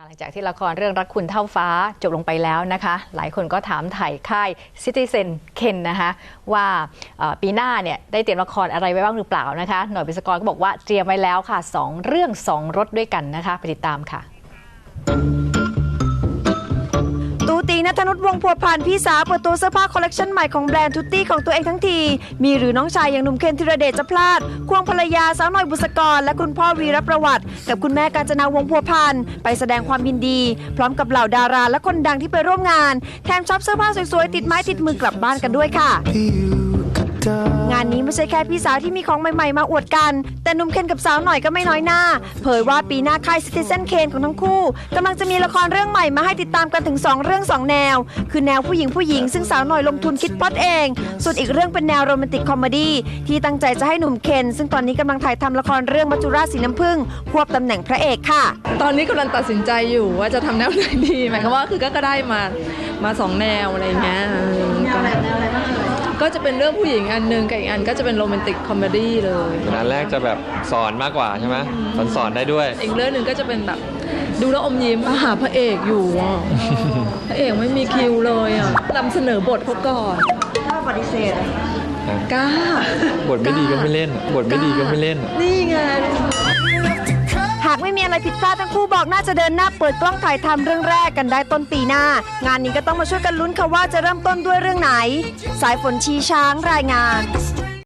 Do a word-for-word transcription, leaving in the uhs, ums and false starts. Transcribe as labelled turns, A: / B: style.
A: ลังจากที่ละครเรื่องรักคุณเท่าฟ้าจบลงไปแล้วนะคะหลายคนก็ถามถ่ายค่ายซิติเซนเคนนะคะว่าปีหน้าเนี่ยได้เตรียมละครอะไรไว้บ้างหรือเปล่านะคะหน่อยบิสกรก็บอกว่าเตรียมไว้แล้วค่ะสองเรื่องสองรสด้วยกันนะคะไปติดตามค่ะ
B: ตูตีณัฐนุชวงศ์พัวพันธ์พี่สาวเปิดตัวเสื้อผ้าคอลเลกชันใหม่ของแบรนด์ทุตตี้ของตัวเองทั้งทีมีหรือน้องชายอย่างหนุ่มเคนธีรเดชจะพลาดควงภรรยาสาวหน่อยบุษกรและคุณพ่อวีรประวัติกับคุณแม่กาญจนาวงศ์พัวพันธ์ไปแสดงความยินดีพร้อมกับเหล่าดาราและคนดังที่ไปร่วมงานแถมช็อปเสื้อผ้าสวยๆติดไม้ติดมือกลับบ้านกันด้วยค่ะงานนี้ไม่ใช่แค่พี่สาวที่มีของใหม่ๆมาอวดกันแต่หนุ่มเคนกับสาวหน่อยก็ไม่น้อยหน้าเผยว่าปีหน้าค่ายซิติเซนเคนของทั้งคู่กำลังจะมีละครเรื่องใหม่มาให้ติดตามกันถึงสองเรื่องสองแนวคือแนวผู้หญิงผู้หญิงซึ่งสาวหน่อยลงทุนคิดพล็อตเองส่วนอีกเรื่องเป็นแนวโรแมนติกคอมเมดี้ที่ตั้งใจจะให้หนุ่มเคนซึ่งตอนนี้กำลังถ่ายทำละครเรื่องมัจจุราชสีน้ำผึ้งควบตำแหน่งพระเอกค่ะ
C: ตอนนี้กำลังตัดสินใจอยู่ว่าจะทำแนวไหนดีหมายความว่าคือก็ได้มามาสองแนวอะไรเงี้ยแนวอะไรแนวอะไรบ้างก็จะเป็นเรื่องผู้หญิงอันนึงกับอีกอันก็จะเป็นโรแมนติกคอมเมดี้เลย
D: อันแรกจะแบบสอนมากกว่าใช่ไหมสอนสอนได้ด้วย
C: อีกเรื่องหนึ่งก็จะเป็นแบบดูแล้วอมยิ้มหาพระเอกอยู่อ่ะพระเอกไม่มีคิวเลยอ่ะนำเสนอบทเขาก่อน
B: ถ้าปฏิเสธ
C: กล้า
D: บทไม่ดีก็ไม่เล่นบทไม่ดีก็ไม่เล่น
C: นี่ไง
B: หากไม่มีอะไรผิดพลาดทั้งคู่บอกน่าจะเดินหน้าเปิดกล้องถ่ายทำเรื่องแรกกันได้ต้นปีหน้างานนี้ก็ต้องมาช่วยกันลุ้นค่ะว่าจะเริ่มต้นด้วยเรื่องไหนสายฝนชีช้างรายงาน